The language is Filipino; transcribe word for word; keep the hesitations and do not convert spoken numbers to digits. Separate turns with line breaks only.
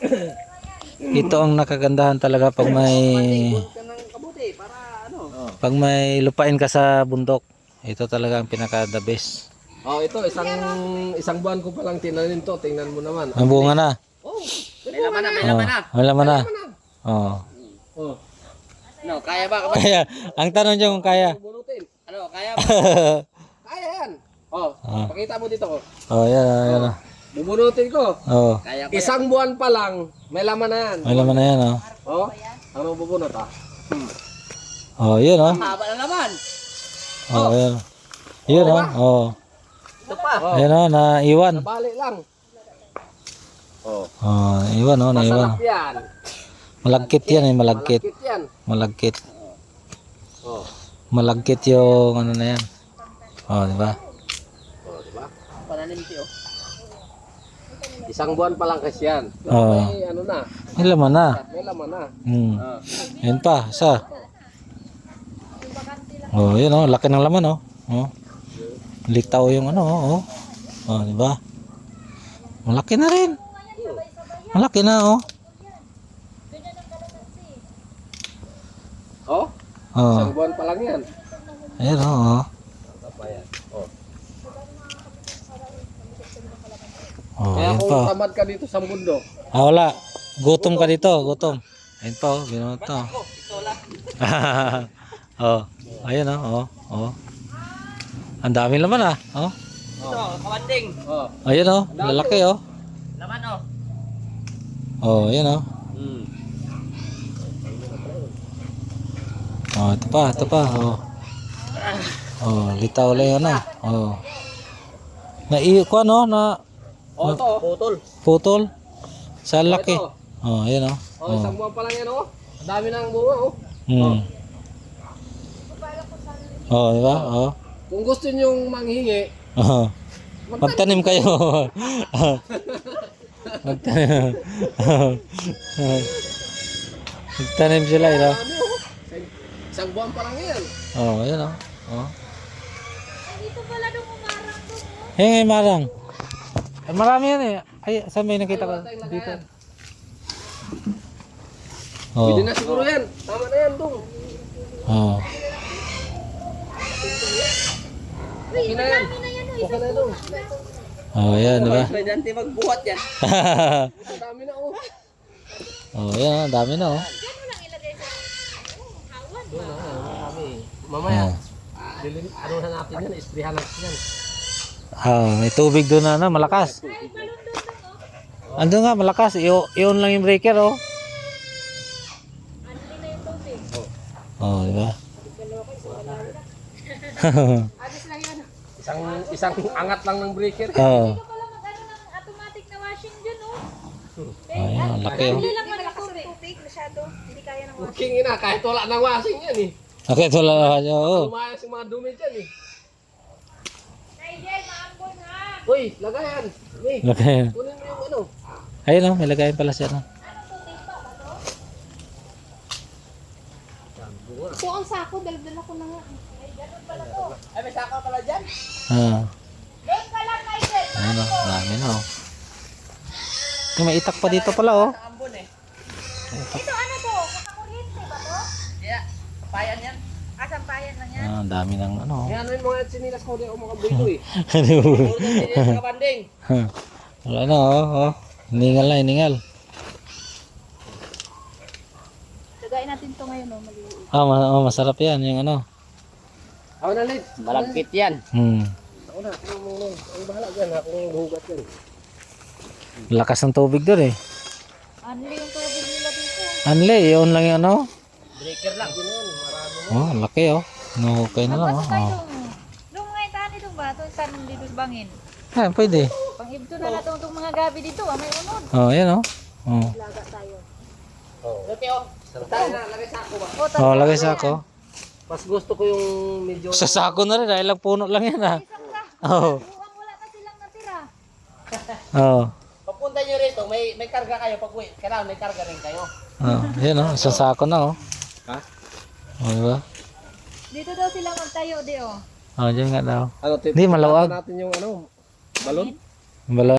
Ito ang nakagandahan talaga pag may pag may lupain ka sa bundok. Ito talaga ang pinaka the best.
Oh, ito isang isang buwan ko pa lang tinanim to. Tingnan mo naman.
Ang bunga na.
Oh,
May laman na, may
Oh,
laman na.
may laman na. Oh.
Oh,
Ano, kaya ba?
Kaya, ang tanong niyo kung kaya.
bunutin.
Ano, kaya ba?
Kaya yan. Oh,
Ah.
pakita mo dito ko.
Oh, yan, oh, yan. oh.
Bubunutin ko.
Oh,
Kaya ko.
Isang buwan pa lang, may laman na yan.
may laman na yan, oh.
Oh, ano bubunot ah?
Oh, yun, oh.
Haba na naman.
Oh, yan. Yun, oh. Oh.
Ito pa.
Oh,
Ayan, oh, naiwan.
nabali lang. Oh,
Oh, iwan, oh, naiwan.
masarap yan.
Malagkit yan, eh, malagkit.
Malakit yan.
Malagkit.
Oh,
Malagkit yung ano na yan. Oh, di ba?
oh, diba?
Pananim tiyo.
Isang buwan pa lang kasi yan. Pero
Oo.
may ano na,
May laman na.
may laman na.
Hmm.
Ah.
Yan pa, isa. Oh, yun, oh, laki ng laman, oh. Oh. Litaw yung ano, oh. Oh, oh di ba? Malaki na rin. Malaki na, oh.
Oh,
Oh.
isang buwan pa lang yan.
Ayan, oh. Oh,
Apa yan? Oh.
oh
Kaya
yan
kung
pa.
tamad ka dito sa mundo,
Ah, wala. Gutom ka dito, gutom. Ayun pa, oh. Binuot to. Oh. Ayun, oh. Oh. Oh. Ang dami laman, ah. Oh.
Ito, kawanding.
oh.
Ayun, oh. Lalaki, oh.
Laman oh.
Oh, ayun, oh.
Hmm.
Oh, ito pa, ito pa. Oh. Oh, litaw lang yan, ah. Oh. Naiyo ko, no? Na
Oh, ito. oh.
Putol.
putol. Sa laki.
ito.
Oh, ayun, oh.
Oh, isang buwan pa lang yan, oh. Ang dami nang bunga, oh.
Hmm. Oh, di ba? Oh.
Kung gusto niyong manghingi,
Oh. Magtanim kayo. Magtanim. Magtanim sila, ito.
ano, oh. Isang- Isang buwan pa lang yan.
Oh, ayun, oh. Oh.
Dito pala nung umarang doon, oh.
Hey, ngay marang. Ay, marami yan eh. Ay, saan may nakita ko? Dito. Oh.
Pwede na siguro yan. Tama na yan, dong.
Oh.
Okay na yan.
Dami na yan, oh.
Okay na, dong.
Oh, yan, di ba?
Pwede natin magbuhat yan.
Ang dami na, oh.
Oh, yan, ang dami na, oh.
Diyan mo lang ilagay sa oh, hawan ba?
Marami. Mamaya, dilin, ano na natin yan, isprihan natin yan.
Ah, may tubig doon na, ano, malakas.
Ay, balon doon doon, oh.
Ando nga, malakas. I- i-on lang yung breaker, oh.
Ano din na yung tubig?
Oh, di ba?
Alis lang yan.
Isang isang angat lang ng breaker.
Oh.
Ito pala mag-ano ng automatic na washing dyan, oh.
Ayun, ang laki, oh.
Hindi lang malakas ang tubig masyado. Hindi kaya ng washing.
King ina, kahit wala nang washing yan eh.
Okay, ito lang naman yun, oh.
Lumayas yung mga dumi dyan eh.
Nigel, maambon ha.
Uy, lagayan. Uy,
Laki.
kunin mo yung ano.
Ayun, oh, may lagayan pala siya, no?
Anong tubig pa ba to? Ito ang sako, dala-dala ko na nga. Ay, ganun pala to.
Ay, may saka pala dyan.
Ah.
Doon ka lang, Nigel.
Ayun, oh. Dami na, oh. Yung may itak pa dito pala, oh.
Sa ambon eh.
Ito ano to? Kakakuryente ba to?
Kaya, payan yan.
Ah, sampayan lang yan.
Ah, ang dami ng ano, oh.
Yan yung mga sinilas ko di ako makabuito eh.
Puro din din sa kawanding.
Wala na, oh, oh. Hiningal na, hiningal.
Lagayin natin to ngayon, oh, maliliit.
Ah, ma- oh, masarap yan, yung ano.
Ako na, Lid.
Malagkit yan.
Hmm.
Ako na, ako mo mo. Ang bahala dyan, akong hugat yan.
Lakas ng tubig doon, eh.
Ano yung tubig nila dito?
Anle, i-on lang yung ano.
Breaker lang.
Oh, laki, oh. Nahukay na lang, oh.
Basta tayo
Oh.
dong. Dong mga itani dong ba? Ito saan dito sa bangin.
Ah, pwede.
Pang-ibto na natin itong mga gabi dito. Ah, may unod.
Oh, yan, oh. Oh.
Laga tayo.
Lupi oh.
Tayo na, lagay sa ako ba?
O, tatlo
Oh, lagay
na
sa
yan.
ako.
Mas gusto ko yung medyo...
Sa sako na rin, dahil lang puno lang yan, ah.
Isang ka.
Oh.
Mukhang wala na silang natira.
Oh.
Papunta nyo rito, may may karga kayo pag uwi. Kailangan may karga rin kayo.
Oh, yan, oh. Sa sako na, oh.
Ha?
Oh, diba?
Dito daw sila magtayo, di oh.
Oh, dyan nga daw.
Ano, tip-
Hindi, malawag.
natin yung ano, balon.
Balon.